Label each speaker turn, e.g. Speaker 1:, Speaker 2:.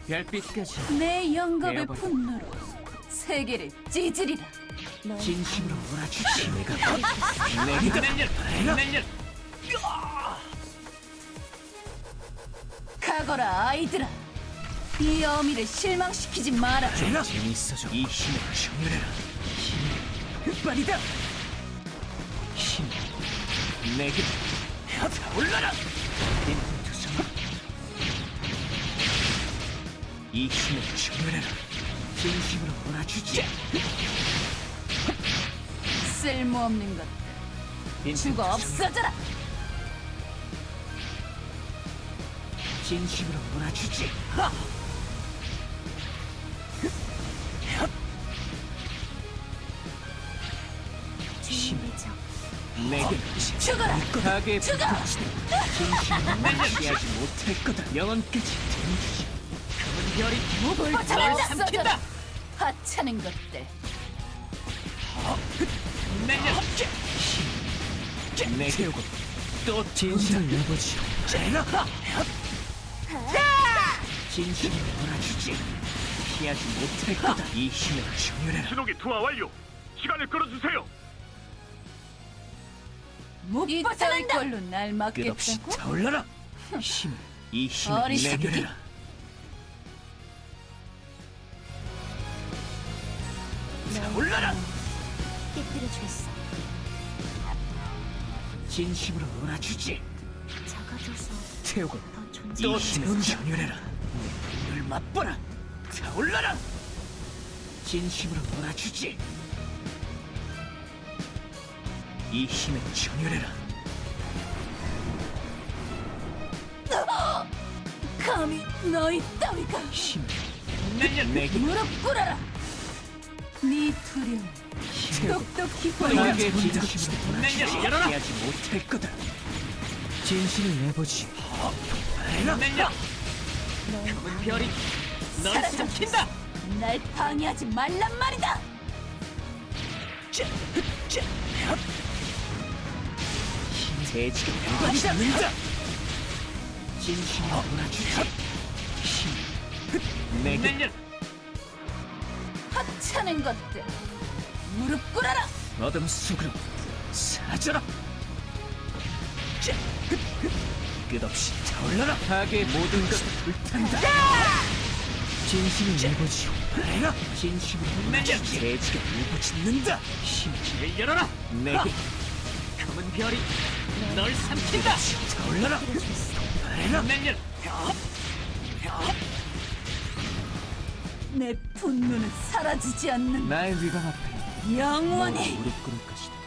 Speaker 1: 별빛까지
Speaker 2: 내 영겁의
Speaker 1: 내어버려.
Speaker 2: 분노로 세계를 찢으리라.
Speaker 1: 진심으로 몰아주지. 내가 내가
Speaker 2: 가거라 아이들아. 이 어미를 실망시키지 마라.
Speaker 1: 재밌어져. 이 힘을 정렬해라. 힘이 흑발이다. 힘 내게 올라라. 인투성아. 이 힘을 정렬해라. 진심으로 몰아주지.
Speaker 2: 쓸모없는 것들 죽어 없어져라.
Speaker 1: 진심으로 몰아주지. 힘 내게
Speaker 2: 죽어라.
Speaker 1: 가게
Speaker 2: 죽어.
Speaker 1: 진심으로 무시하지 못할 거다. 영혼까지 등지. 검은 별이
Speaker 2: 목을
Speaker 1: 널 삼킨다.
Speaker 2: 없어져라. 하찮은 것들.
Speaker 1: 내려 힘 내게 태우고 또 진심을 내보지. 제가 진심을 몰아주지. 피하지 못할 거다. 이 힘을 정렬해라.
Speaker 3: 신호기 투하 완료. 시간을 끌어주세요.
Speaker 2: 이 따위 걸로 날
Speaker 1: 끝없이
Speaker 2: 막겠다고?
Speaker 1: 타올라라. 힘을 이 힘을
Speaker 2: 어리석이.
Speaker 1: 내려라. 타올라라.
Speaker 4: 깨뜨려주겠어.
Speaker 1: 진심으로 몰아주지.
Speaker 4: 작아져서
Speaker 1: 태우고
Speaker 4: 더 존재.
Speaker 1: 또 힘을 정렬해라. 늘 맛보라. 타올라라. 진심으로 몰아주지. 이 힘을 정렬해라.
Speaker 2: 감히 너희 따위가
Speaker 1: 힘 내게
Speaker 2: 무릎 꿇어라. 네 두려움
Speaker 1: 태우고
Speaker 2: 똑똑히
Speaker 1: 너에게
Speaker 2: 보여주지.
Speaker 1: 진심으로 몰아주지. 피하지 못할 거다. 진심을 내보지. 내려. 검은 별이 널 삼킨다.
Speaker 2: 날 방해하지 말란 말이다.
Speaker 1: 돼지가 묻는다. 진심으로 몰아주지. 힘 내게
Speaker 2: 하찮은 것들 무릎 꿇어라.
Speaker 1: 어둠 속으로 사라져라. 끝없이 타올라라. 악의 모든 것을 불탄다. 진심을 내보지. 내가 진심으로 몰아주지. 돼지가 울부짖는다. 힘을 열어라. 내게 검은 별이 널 삼킨다. 타올라라. 내가 내려.
Speaker 2: 내 분노는 사라지지 않는
Speaker 1: 나의 위강 앞에
Speaker 2: 영원히
Speaker 1: 무릎 꿇을 것이다.